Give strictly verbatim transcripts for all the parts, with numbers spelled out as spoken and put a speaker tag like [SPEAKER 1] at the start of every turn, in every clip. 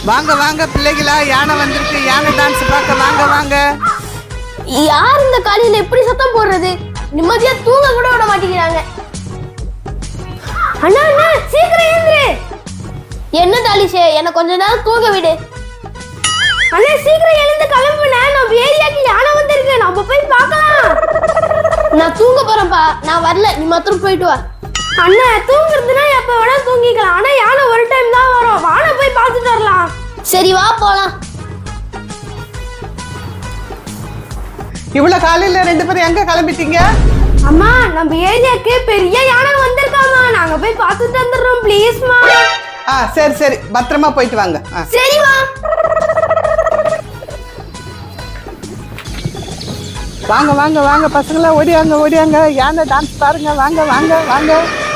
[SPEAKER 1] வாங்க வாங்க பிள்ளைகளா, யானை வந்திருக்கு. யானை டான்ஸ் பார்க்க வாங்க வாங்க.
[SPEAKER 2] யார் இந்த காலையில எப்படி சத்தம் போடுறது? நிம்மதியா தூங்க கூட விட மாட்டேங்கிறாங்க. அண்ணா அண்ணா சீக்கிரம் எழுந்துரு. என்ன டாலிஷே, என்ன கொஞ்ச நேரம் தூங்க விடு. அண்ணா சீக்கிரம் எழுந்து கிளம்புனே, நம்ம ஏரியாக்கு யானை வந்திருக்கு, நம்ம போய் பார்க்கலாம். நான் தூங்க போறேன்ப்பா, நான் வரல, நீ மாத்திரம் போயிட்டு வா. அண்ணா தூங்குறதுனா எப்ப வேணா தூங்கிக்கலாம், ஆனா யானை ஒரு டைம் தான் வரும், வான போய் பார்த்துட்டு வரலாம். சரி வா போலாம்.
[SPEAKER 1] இவ்வளவு காலையில ரெண்டு பேரும் எங்க கிளம்பிட்டீங்க?
[SPEAKER 2] அம்மா நம்ம ஏரியாக்கு பெரிய யானை வந்திருக்காமா, நாங்க போய் பார்த்துட்டு வந்துடுறோம் ப்ளீஸ்மா.
[SPEAKER 1] ஆ சரி சரி, பத்திரமா போயிட்டு வாங்க.
[SPEAKER 2] சரிமா.
[SPEAKER 1] வாங்க வாங்க வாங்க பசங்களா, ஓடியாங்க ஓடியாங்க, யானை டான்ஸ் பாருங்க. வாங்க வாங்க வாங்க.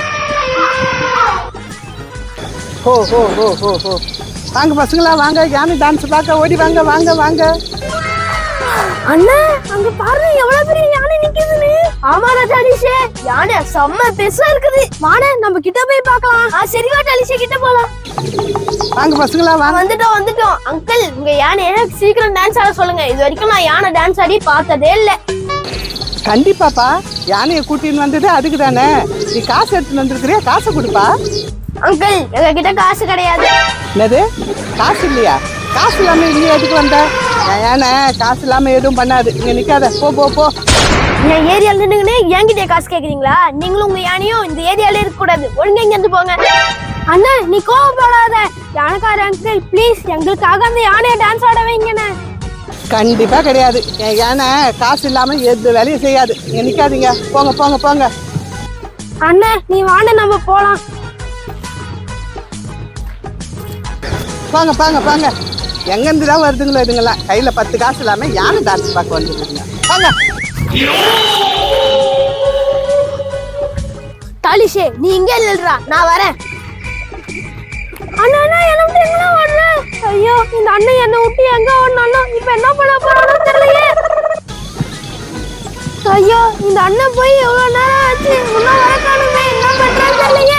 [SPEAKER 1] ஹோ ஹோ ஹோ ஹோ ஹோ வாங்க பசங்களா வாங்க, யானை டான்ஸ் பார்க்க ஓடி வாங்க வாங்க வாங்க.
[SPEAKER 2] அண்ணா அங்க பாருங்க எவ்வளவு பெரிய யானை நிக்குதுன்னு. ஆமா டாலிஷே, யானை செம்ம பெருசா இருக்குது. வாணே நம்ம கிட்ட போய் பார்க்கலாம். ஆ சரி வா டாலிஷே, கிட்ட போலாம்.
[SPEAKER 1] வாங்க பசங்களா வாங்க.
[SPEAKER 2] வந்துட்டோம் வந்துட்டோம். அங்கிள் உங்க யானை சீக்கிரம் டான்ஸ் ஆட சொல்லுங்க. இது வரைக்கும் நான் யானை டான்ஸ் ஆடி பார்த்ததே இல்ல.
[SPEAKER 1] கண்டிப்பாப்பா, யானையை கூட்டின்னு வந்தது அதுக்கு தானே. நீ காசு எடுத்துன்னு வந்திருக்கிறியா? காசை கொடுப்பா.
[SPEAKER 2] அங்கிள் எங்க கிட்ட காசு கிடையாது.
[SPEAKER 1] என்னது காசு இல்லையா? காசு இல்லாம இங்க எதுக்கு வந்த? யானை காசு இல்லாம எதுவும் பண்ணாது. இங்க நிக்காத, போ போ போ.
[SPEAKER 2] என் ஏரியால நின்னுங்கன்னு என்கிட்ட காசு கேக்குறீங்களா? நீங்களும் உங்க யானையும் இந்த ஏரியால இருக்க கூடாது, ஒழுங்கா இங்க இருந்து போங்க. அண்ணா நீ கோவப்படாத. யானைக்கார அங்கிள் ப்ளீஸ் எங்களுக்காக அந்த யானையை டான்ஸ் ஆட வைங்கண்ணே.
[SPEAKER 1] கண்டிப்பா கிடையாது. என் யானை காசு இல்லாம எது வேலையும் செய்யாது. இங்க நிக்காதீங்க, போங்க போங்க போங்க.
[SPEAKER 2] அண்ணா நீ வாண நம்ம போலாம்.
[SPEAKER 1] போங்க போங்க போங்க. எங்க இருந்து தான் வருதுங்களோ இதுங்களா? கையில பத்து காசு இல்லாம யானை டான்ஸ் பார்க்க வந்துருக்குங்க. போங்க.
[SPEAKER 2] டாலிஷே நீ இங்க இல்லடா, நான் வரேன். அண்ணா அண்ணா என்ன விட்டு எங்க வரல? ஐயோ இந்த அண்ணன் என்ன விட்டு எங்க ஓடுனானோ, இப்போ என்ன பண்ண போறானோ தெரியலையே. ஐயோ இந்த அண்ணன் போய் எவ்வளவு நேரம் ஆச்சு, இன்னும் வர காணுமே, என்ன பண்றான்னு தெரியலையே.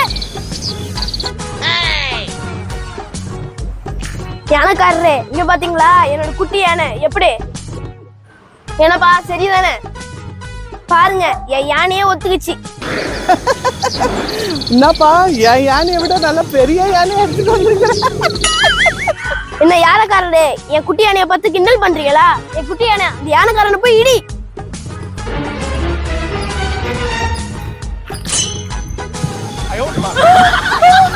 [SPEAKER 2] யானைக்காரரே இங்க பாத்தீங்களா என்னோட குட்டி யானை எப்படி? என்னப்பா சரிதானே? பாருங்க என் யானையே ஒத்துக்குச்சு.
[SPEAKER 1] என்னப்பா, என் யானையை விட நல்ல பெரிய யானையை எடுத்துட்டு வந்திருக்கிறேன்.
[SPEAKER 2] என்ன யானைக்காரரே, என் குட்டி யானையை பார்த்து கிண்டல் பண்றீங்களா? என் குட்டி யானை அந்த யானைக்காரனை போய் இடி. ஐயோ